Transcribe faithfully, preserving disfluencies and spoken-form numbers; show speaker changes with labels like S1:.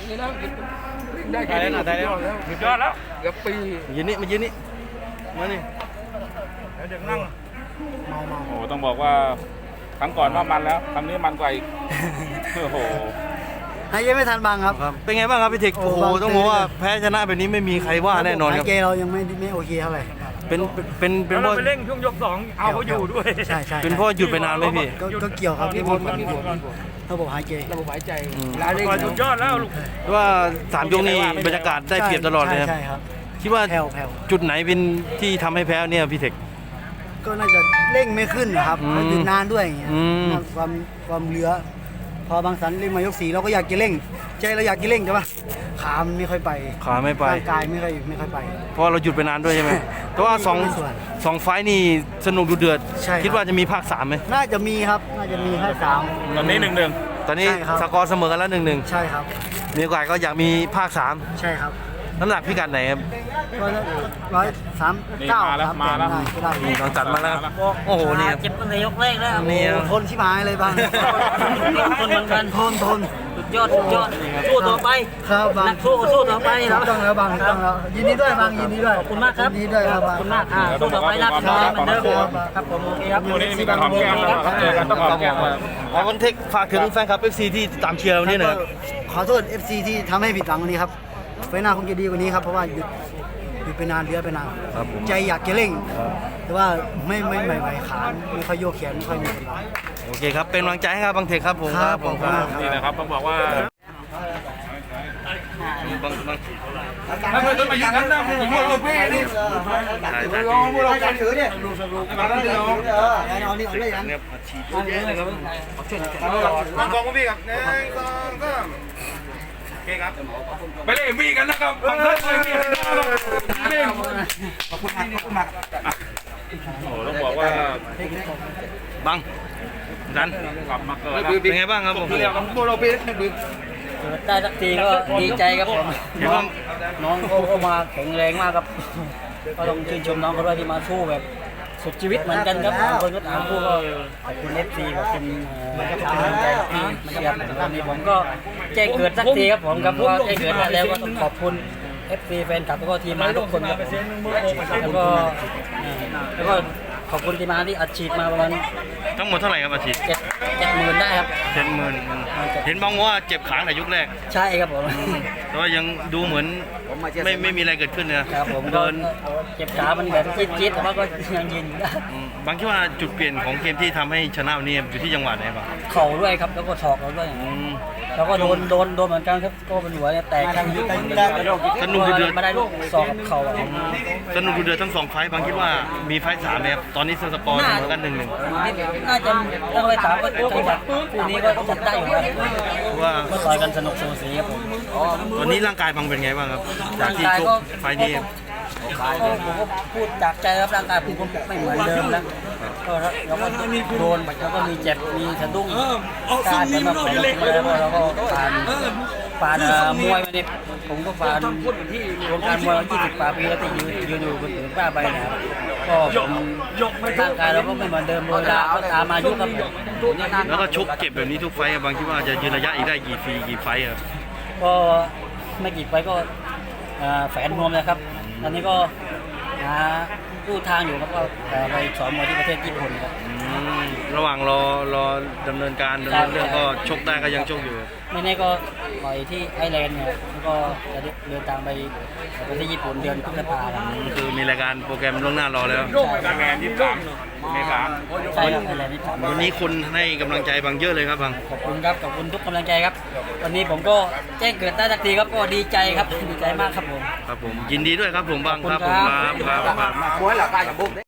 S1: นี่แล้วได้
S2: ได้แล้วนะได้แล้วสุดยอดแล้ว
S1: เกือบปี
S2: ยืนนี่มายืนนี่มานี่เด็กนั่ง
S1: เมาเมา
S3: โอ้ต้องบอกว่าครั้งก่อนว่ามันแล้วครั้งนี้มันกว่าอีกโอ้โห
S4: หายใจไม่ทันบังครับ
S2: ครับเป็นไงบ้างครับพี่เทค
S4: โอ้
S2: โอ้โห
S4: บาง
S2: ต้องบอกว่าแพ้ชนะแบบนี้ไม่มีใครว่าแน่นอนครับ
S4: หายใจเรายังไม่ไม่โอเคเท่าไหร่
S2: เป็นเป็นเป็น
S5: แล้ว
S2: เพ
S5: เรา
S2: ราะ
S5: ไปเร่งช่วงยกสองเอาเขาอยู่ด้วย
S4: ใช่ใช่
S2: เป็นเพราะหยุดไปนานไหมพี่
S4: ก็ก็เกี่ยวครับ
S1: มี
S4: ที่
S1: ผ
S4: ผ
S1: ล
S4: ม
S1: มันมีผลมีผล
S4: ระบบหายใจ
S1: ระบบหายใจ
S2: อืม
S1: ลาเร่ง
S5: ก่อนสุดยอดแล้วลูก
S2: ว่าสามยกนี้บรรยากาศได้เปรียบตลอดเลยครับ
S4: ใช่ครับ
S2: คิดว่า
S4: แผ่วแผ่ว
S2: จุดไหนเป็นที่ทำให้แพ้เนี่ยพี่เทค
S4: ก็น่าจะเร่งไม่ขึ้นนะครับ
S2: อืม
S4: มันหยุดนานด้วยอย่างเงี้ย
S2: อืม
S4: ความความเหลือ พอบางสันเร่งมายกสีเราก็อยากจะเร่ง ใจเราอยากจะเร่งแต่ว่าขามันไม่ค่อยไป
S2: ขาไม่ไป
S4: ร่างกายไม่ค่อยไม่ค่อยไป
S2: เพราะเราหยุดไปนานด้วยใช่ไหมแต่ว่าสอง
S4: มีส่วน
S2: สองไฟล์นี่สนุกดูเดือด
S4: ใช่ครับ
S2: คิดว่าจะมีภาคสามไหม
S4: น่าจะมีครับ น่าจะมีให้สาม
S3: ตอนนี้หนึ่งหนึ่ง
S2: ตอนนี้
S4: ใช่ครับ
S2: สกอร์เสมอกันแล้วหนึ่งหนึ่ง
S4: ใช่ครับ
S2: มีโอกาสก็อยากมีภาคสาม
S4: ใช่ครับ
S2: น้ำหนักพิกัดไหนครับ
S4: ร้อยร้อยสาม
S3: นี่
S4: เก้า
S3: มาแล้ว
S4: สาม
S3: มา
S4: แปด
S3: แล้ว
S4: ได้ก็ได้
S2: นี่ลองจัดมาแล้วโอ้โหนี่ครับ
S6: เจ็บตั้งแต่ยกแรกแล้ว
S2: นี่ครับ
S4: ทนชิบหายเลยบาง
S6: คนเหมือนกัน
S4: ทนทน
S6: สุดยอดสุดยอดสู้ต่อไป
S4: ครับบาง
S6: นักสู้ก็สู้ต่อไป
S4: ถู
S6: แล้
S4: ก
S6: ว
S4: ต้องแล้วบางถูกต้องแล้วยินดีด้วยบางยินดีด้วย
S6: ขอบคุณมากครับ
S4: ยินดีด้วยครับ
S6: ขอบคุณมากอ่าสู้ต่อไปนะสู้ต่อไปเหมือนเดิมครับผมโอเคครับ
S3: วันนี้มีการหอมแก้มแล้วครับเจอกันต้องหอมแก้มแล้ว
S2: ขอคอนเทคฝากถึงแฟนคลับ เอฟ ซี ที่ตามเชียร์วันนี้หน่อยครับ
S4: ขอโทษ เอฟ ซี ที่ทำให้ผิดหวังวันนี้ครับไฟหน้าคงจะดีกว่านี้ครับเพราะว่าหยุดหยุดไปนานเดือไปนาน
S2: ครับผม
S4: ใจอยากจะเร่ง แต่ว่าไม่ไม่ไม่ไหวขาไม่ค่อยโยกแขนไม่ค่อยมีกำลัง
S2: โอเคครับ เป็นกำลังใจให้ครับบางเทคครับผม
S4: ครับผมครับ
S3: นี่นะครับต้องบอกว่า
S2: บางบาง
S1: ถ้าเพื่อนมาอยู่กันนะผมว่าเราเพ่นี่
S2: ถ่ายถ่าย
S1: ลองพวกเราการถือเนี่ยมาแล้วเดี๋ยว
S4: เอานี่เอาเลยยัง
S2: เนี่ยผัดชี
S3: ตั้งกองพี่ครับหนึ่งสองสามโอเคครับไปเล่นมีกันนะครับฝั่งนั้นไปมีกันเล่นขอบคุณมากขอบคุณมากโอ้ต้องบอกว่า
S2: บังดัน
S3: กลับมาเกิด
S2: เป็นไงบ้างครับผม
S1: เรียกของพวกเราเพ่นี่บึ้ง
S6: เกิดได้สักทีก็ดีใจครับผม
S2: เห็น
S6: น้อ
S2: ว่าง
S6: น้องเขาก็มาแข็งแรงมากครับก็ต้องชื่นชมน้องเขาด้วยที่มาสู้แบบสุดชีวิตเหมือนกันครับบางคนก็ถามผู้ก็ขอบคุณเอฟซีขอบคุณเอ่อขอบคุณกำลังใจที่มาเชียร์ผมวันนี้ผมก็แจ้งเกิดสักทีครับผมครับเพราะว่าแจ้งเกิดมาแล้วก็ต้องขอบคุณ เอฟ ซี แฟนคลับแล้วก็ทีมงานทุกคนครับแล้วก็เอ่อแล้วก็ขอบคุณทีมงานที่อัดฉีดมาประมาณ
S2: ทั้งหมดเท่าไหร่ครับอาทิตย์
S6: เจ็ดเจ็ดหมื่นได้ครับ
S2: เจ็ดหมื่นเห็นบางว่าเจ็บขาแต่ยุคแรก
S6: ใช่ครับผม
S2: แต่ว่ายังดูเหมือนไม่ไม่มีอะไรเกิดขึ้นนะครับ
S6: ผมก็
S2: เดิน
S6: เจ็บขามันแบบจี๊ดๆแต่ว่าก็ยังยืนอยู่ได้
S2: อืมบางคิดว่าจุดเปลี่ยนของเกมที่ทำให้ชนะวันนี้อยู่ที่จังหวะไหนบ้าง
S6: เข่าด้วยครับแล้วก็ศอกเราด้วย
S2: อืม
S6: แล้วก็โดนโดนโดนเหมือนกันครับก็เป็นหัวเนี่ยแตกข้างยุบ
S2: สนุกเดือด
S6: มาได้ลูกศอกกับเข่าอะ
S2: สนุกดูเดือดทั้งสองไฟต์บางคิดว่ามีไฟต์สามไหมครับตอนนี้สกอร์เสมอกันหนึ่งหนึ่ง
S6: น่าจะต้องไปถามก็จังหวะคู่นี้ก็จัดได้อยู่ครับ
S2: เพราะว่า
S6: ก็ต่อยกันสนุกสูสีครับผม
S2: ตอนนี้ร่างกายบางเป็นไงบ้างครับจากที่ชกไฟต์นี้
S6: ก็ผมก็พูดจากใจครับร่างกายผมก็ไม่เหมือนเดิมแล้วก็เราก็โดนแล้วก็มีเจ็บมีสะดุ้งการแต่มาผมแล้วเราก็ผ่านผ่านเอ่อมวยมาดิผมก็ผ่านวงการมวยมายี่สิบกว่าปีแล้วที่ยืนยืนอยู่บนผืนผ้าใบนะครับก็ผมร่างกายเราก็ไม่เหมือนเดิมเวลาก็ตามอายุครับผม
S2: แล้วก็ชกเจ็บแบบนี้ทุกไฟต์อะบางคิดว่าจะยืนระยะอีกได้กี่ฟีกี่ไฟต์ครับ
S6: ก็ไม่กี่ไปก็เอ่อแฝนนวมนะครับตอนนี้ก็หาลู่ทางอยู่ครับก็เอ่อไปสอนมวยที่ประเทศญี่ปุ่นครับ
S2: อืมระหว่างรอรอดำเนินการดำเนินเรื่องก็ชกได้ก็ยังชกอยู่
S6: ไม่แน่ก็ต่อยที่ไอร์แลนด์เนี่ยแล้วก็จะเดินทางไปประเทศญี่ปุ่นเดือนพฤษภาคม
S2: คือมีรายการโปรแกรมล่วงหน้ารอแล้ว
S3: การงานยี่สิบสามอเมริกา
S6: ใช่ครับไอร์แลนด์ที่ถาม
S2: วันนี้คนให้กำลังใจบางเยอะเลยครับบาง
S6: ขอบคุณครับขอบคุณทุกกำลังใจครับวันนี้ผมก็แจ้งเกิดได้สักทีครับก็ดีใจครับดีใจมากครับผม
S2: ครับผมยินดีด้วยครับผมบางครับผม
S6: ขอบคุณ
S2: ครับ
S6: ครับ
S2: ครับ
S1: มวยหลักการกับบุก